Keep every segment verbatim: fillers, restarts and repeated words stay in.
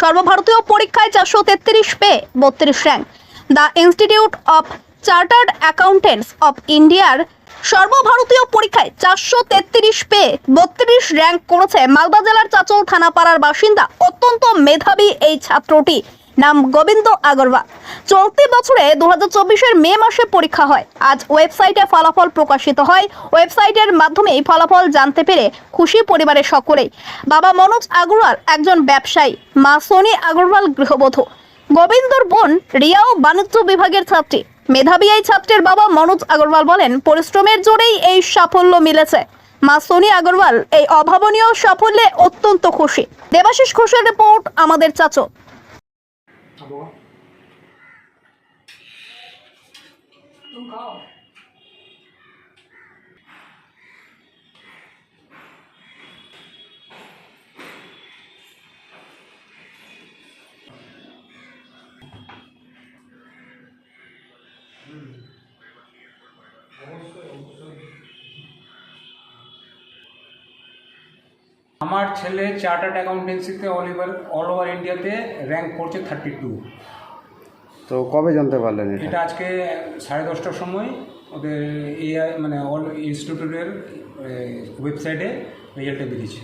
সর্বভারতীয় পরীক্ষায় চারশো তেত্রিশ পেয়ে বত্রিশ rank. The institute of chartered accountants of ইন্ডিয়ার সর্বভারতীয় পরীক্ষায় চারশো তেত্রিশ পেয়ে বত্রিশ র্যাঙ্ক করেছে মালদা জেলার চাচল থানাপাড়ার বাসিন্দা অত্যন্ত মেধাবী এই ছাত্রটি। নাম গোবিন্দ আগরওয়াল। চলতি বছরে দু হাজার চব্বিশের মে মাসে পরীক্ষা হয়। আজ ওয়েবসাইটে ফলাফল প্রকাশিত হয়। ওয়েবসাইটের মাধ্যমে এই ফলাফল জানতে পেরে খুশি পরিবারের সকলেই। বাবা মনোজ আগরওয়াল একজন ব্যবসায়ী, মা সোনি আগরওয়াল গৃহবধূ। গোবিন্দর বোন রিয়াও বাণিজ্য বিভাগের ছাত্রী। মেধাবী এই ছাত্রের বাবা মনোজ আগরওয়াল বলেন, পরিশ্রমের জোরেই এই সাফল্য মিলেছে। মা সোনি আগরওয়াল এই অভাবনীয় সাফল্যে অত্যন্ত খুশি। দেবাশিস ঘোষের রিপোর্ট, আমাদের চাচল। আমার ছেলে চার্টার্ড অ্যাকাউন্টেন্সিতে অল ওভার অল ওভার ইন্ডিয়াতে র্যাঙ্ক করছে থার্টি টু। তো কবে জানতে পারলেন এটা? এটা আজকে সাড়ে দশটার সময় ওদের এআই মানে অল ইনস্টিটিউটের ওয়েবসাইটে রেজাল্টে বেরিয়েছে।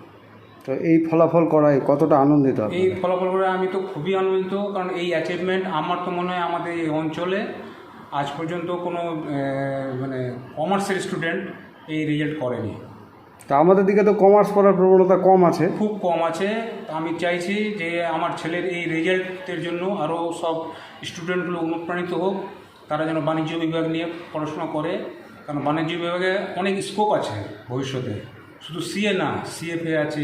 তো এই ফলাফল করায় কতটা আনন্দিত? এই ফলাফল করে আমি তো খুবই আনন্দিত, কারণ এই অ্যাচিভমেন্ট আমার তো মনে হয় আমাদের এই অঞ্চলে আজ পর্যন্ত কোনো মানে কমার্সের স্টুডেন্ট এই রেজাল্ট করেনি। তা আমাদের দিকে তো কমার্স পড়ার প্রবণতা কম আছে, খুব কম আছে। আমি চাইছি যে আমার ছেলের এই রেজাল্টের জন্য আরও সব স্টুডেন্টগুলো অনুপ্রাণিত হোক, তারা যেন বাণিজ্য বিভাগ নিয়ে পড়াশোনা করে, কারণ বাণিজ্য বিভাগে অনেক স্কোপ আছে ভবিষ্যতে। শুধু সিএ না, সিএফএ আছে,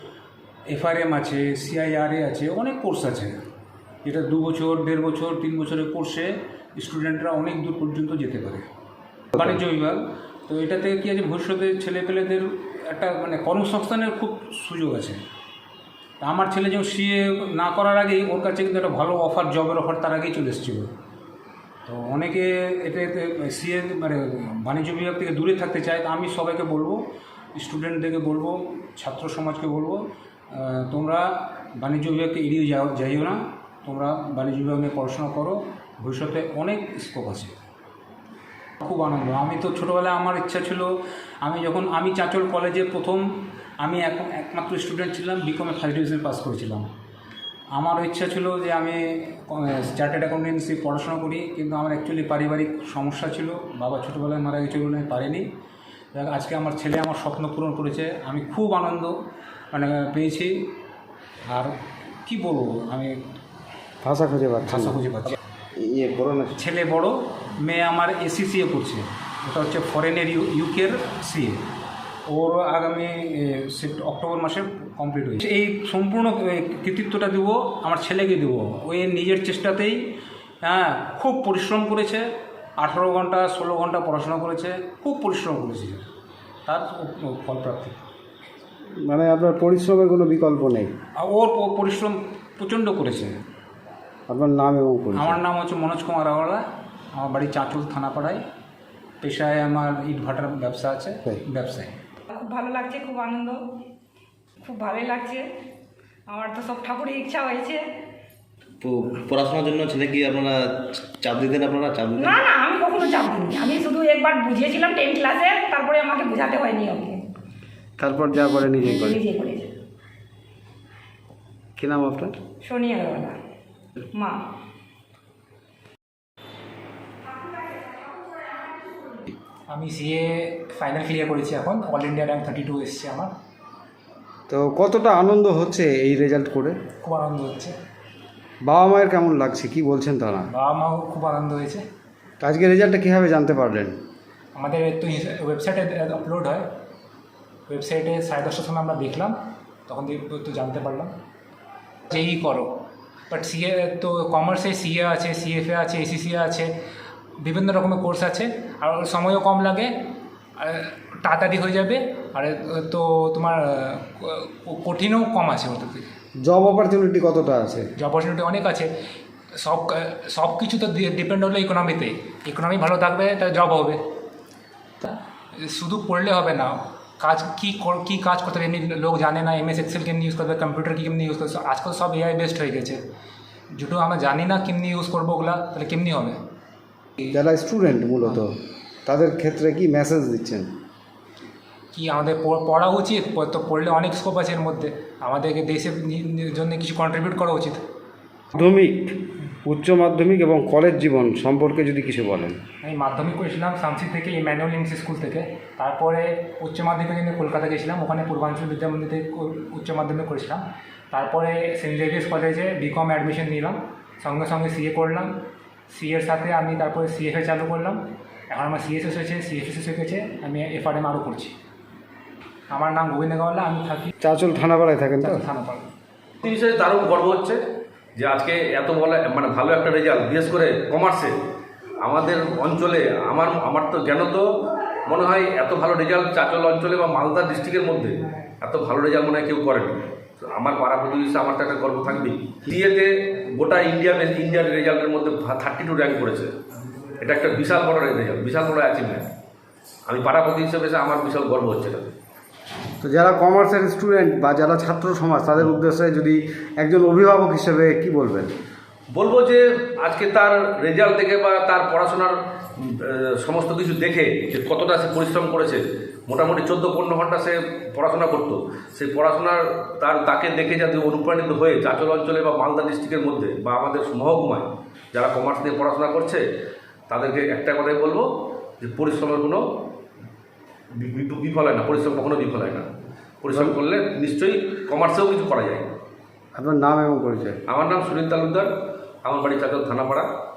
এফআরএম আছে, সিআইআরএ আছে, অনেক কোর্স আছে, যেটা দু বছর দেড় বছর তিন বছরের কোর্সে স্টুডেন্টরা অনেক দূর পর্যন্ত যেতে পারে বাণিজ্য বিভাগ। তো এটাতে কী আছে, ভবিষ্যতে ছেলেপেলেদের একটা মানে কর্মসংস্থানের খুব সুযোগ আছে। আমার ছেলে যেমন সিএ না করার আগেই ওর কাছে কিন্তু একটা ভালো অফার, জবের অফার তার আগেই চলে এসেছিল। তো অনেকে এতে সিএ মানে বাণিজ্য বিভাগ থেকে দূরে থাকতে চায়। আমি সবাইকে বলবো, স্টুডেন্টদেরকে বলবো, ছাত্র সমাজকে বলবো, তোমরা বাণিজ্য বিভাগকে এড়িয়ে যাও যাইও না, তোমরা বাণিজ্য বিভাগ নিয়ে পড়াশোনা করো, ভবিষ্যতে অনেক স্কোপ আছে। খুব আনন্দ। আমি তো ছোটোবেলায় আমার ইচ্ছা ছিল, আমি যখন আমি চাঁচল কলেজে প্রথম আমি এক একমাত্র স্টুডেন্ট ছিলাম, বিকমে ফার্স্ট ডিভিশন পাস করেছিলাম। আমার ইচ্ছা ছিল যে আমি চার্টার্ড অ্যাকাউন্টেন্সি পড়াশোনা করি, কিন্তু আমার অ্যাকচুয়ালি পারিবারিক সমস্যা ছিল, বাবা ছোটোবেলায় মারা গেছে বলে আমি পারিনি। আজকে আমার ছেলে আমার স্বপ্ন পূরণ করেছে, আমি খুব আনন্দ মানে পেয়েছি। আর কি বলবো, আমি ভাষা খুঁজে পাচ্ছি ভাষা খুঁজে পাচ্ছি। ইয়ে বড় না, ছেলে বড়, মেয়ে আমার এসি সিএ করছে, ওটা হচ্ছে ফরেনের ইউকের সিএ। ওর আগামী অক্টোবর মাসে কমপ্লিট হয়েছে। এই সম্পূর্ণ কৃতিত্বটা দেবো আমার ছেলেকে দেবো। ওই নিজের চেষ্টাতেই, হ্যাঁ, খুব পরিশ্রম করেছে, আঠারো ঘন্টা ষোলো ঘন্টা পড়াশোনা করেছে, খুব পরিশ্রম করেছে, তার ফলপ্রাপ্তি। মানে আপনার পরিশ্রমের কোনো বিকল্প নেই। ওর পরিশ্রম প্রচণ্ড করেছে। আপনার নাম এবং আমার নাম হচ্ছে মনোজ কুমার আগরওয়াল। আমার বাড়ি চাঁচল থানাপাড়ায়। পেশায় আমার ইট ভাটার ব্যবসা আছে, ব্যবসায়। খুব ভালো লাগছে, খুব আনন্দ, খুব ভালোই লাগছে। আমার তো সব ঠাকুরের ইচ্ছা হয়েছে। তো পড়াশোনার জন্য ছেলে কি আপনারা চাপ দিতেন? আপনারা চাপ দিতেন? না না, আমি কখনো চাপ দিইনি। আমি শুধু একবার বুঝিয়েছিলাম টেন ক্লাসে, তারপরে আমাকে বোঝাতে হয়নি ওকে। তারপর যা করে নিজেই করে। নিজে করেছে। কী নাম আপনার? সোনি আগরওয়াল, মা। আমি সিএ ফাইনাল ক্লিয়ার করেছি, এখন all India rank thirty two এসছে আমার। তো কতটা আনন্দ হচ্ছে এই রেজাল্ট করে? খুব আনন্দ হচ্ছে। বাবা মায়ের কেমন লাগছে, কি বলছেন তারা? বাবা মাও খুব আনন্দ হয়েছে। তো আজকে রেজাল্টটা কীভাবে জানতে পারলেন? আমাদের তো ওয়েবসাইটে আপলোড হয়, ওয়েবসাইটে সাড়ে দশটার সময় আমরা দেখলাম, তখন তো জানতে পারলাম। যেই করো, বাট সিএ তো কমার্সে সিএ আছে, সিএফএ আছে, এসিসিএ আছে, বিভিন্ন রকমের কোর্স আছে, আর সময়ও কম লাগে, তাড়াতাড়ি হয়ে যাবে, আর তো তোমার কঠিনও কম আছে ওটার থেকে। জব অপরচুনিটি কতটা আছে? জব অপরচুনিটি অনেক আছে। সব সব কিছু তো ডিপেন্ড হলো ইকোনমিতেই। ইকোনমি ভালো থাকবে তা জব হবে। শুধু পড়লে হবে না, কাজ কী কর- কী কাজ করতে হবে এমনি লোক জানে না, এম এস এক্সেল কেমনি ইউজ করবে, কম্পিউটার কী কেমনি ইউজ করবে, আজকাল সব এআই বেসড হয়ে গেছে। যেটু আমরা জানি না কেমনি ইউজ করবো ওগুলা, তাহলে কেমনি হবে? যারা স্টুডেন্ট মূলত তাদের ক্ষেত্রে কি মেসেজ দিচ্ছেন? কি আমাদের প- পড়া উচিত, প- তো পড়লে অনেক স্কোপ আছে এর মধ্যে, আমাদেরকে দেশের নি- নি- জন্য কিছু কন্ট্রিবিউট করা উচিত। মাধ্যমিক, উচ্চ মাধ্যমিক এবং কলেজ জীবন সম্পর্কে যদি কিছু বলেন। আমি মাধ্যমিক করেছিলাম শামসি থেকে, ইম্যানুয়াল ইংলিশ স্কুল থেকে। তারপরে উচ্চ মাধ্যমিকের জন্য কলকাতা গেছিলাম, ওখানে পূর্বাঞ্চল বিদ্যামন্দিরে ক- উচ্চ মাধ্যমিক করেছিলাম। তারপরে সেন্ট জেভিয়ার্স কলেজে বিকম অ্যাডমিশন নিলাম, সঙ্গে সঙ্গে সিএ করলাম। সিএর সাথে আমি তারপরে সিএফএ চালু করলাম। এখন আমার সিএসএস হয়েছে, সিএফএস হয়ে গেছে, আমি এফআরএম আরও করছি। আমার নাম গোবিন্দ গাওয়ালা, আমি থাকি চাঁচল থানাপাড়ায় থাকেন তো? থানাপাড়া। এই বিষয়ে দারুণ গর্ব হচ্ছে যে আজকে এত বলে মানে ভালো একটা রেজাল্ট, বিশেষ করে কমার্সে আমাদের অঞ্চলে। আমার আমার তো জ্ঞান তো মনে হয় এত ভালো রেজাল্ট চাঁচল অঞ্চলে বা মালদা ডিস্ট্রিক্টের মধ্যে এত ভালো রেজাল্ট মনে হয় কেউ করেনি। তো আমার পাড়া প্রতিবেশী আমার তো একটা গর্ব থাকবেই। সিএতে গোটা ইন্ডিয়া ইন্ডিয়ার রেজাল্টের মধ্যে থার্টি টু র্যাঙ্ক করেছে। এটা একটা বিশাল বড় রেজাল্ট, বিশাল বড় অ্যাচিভমেন্ট। আমি পাড়া প্রতিবেশী হিসেবে এসে আমার বিশাল গর্ব হচ্ছে এটা। তো যারা কমার্সের স্টুডেন্ট বা যারা ছাত্র সমাজ তাদের উদ্দেশ্যে যদি একজন অভিভাবক হিসেবে কি বলবেন? বলবো যে আজকে তার রেজাল্ট দেখে বা তার পড়াশোনার আহ, সমস্ত কিছু দেখে যে কতটা সে পরিশ্রম করেছে, মোটামুটি চোদ্দো পনেরো ঘন্টা সে পড়াশোনা করতো, সেই পড়াশোনার তার তাকে দেখে যাতে অনুপ্রাণিত হয়ে চাঁচল অঞ্চলে বা মালদা ডিস্ট্রিক্টের মধ্যে বা আমাদের মহকুমায় যারা কমার্স নিয়ে পড়াশোনা করছে তাদেরকে একটা কথাই বলবো যে পরিশ্রমের কোনো বি- বি- বিফল হয় না, পরিশ্রম কখনো বিফল হয় না। পরিশ্রম করলে নিশ্চয়ই কমার্সেও কিছু করা যায়। আপনার নাম এবং পরিচয়? আমার নাম সুনীল তালুকদার, আমার বাড়ি চাঁচল থানাপাড়া।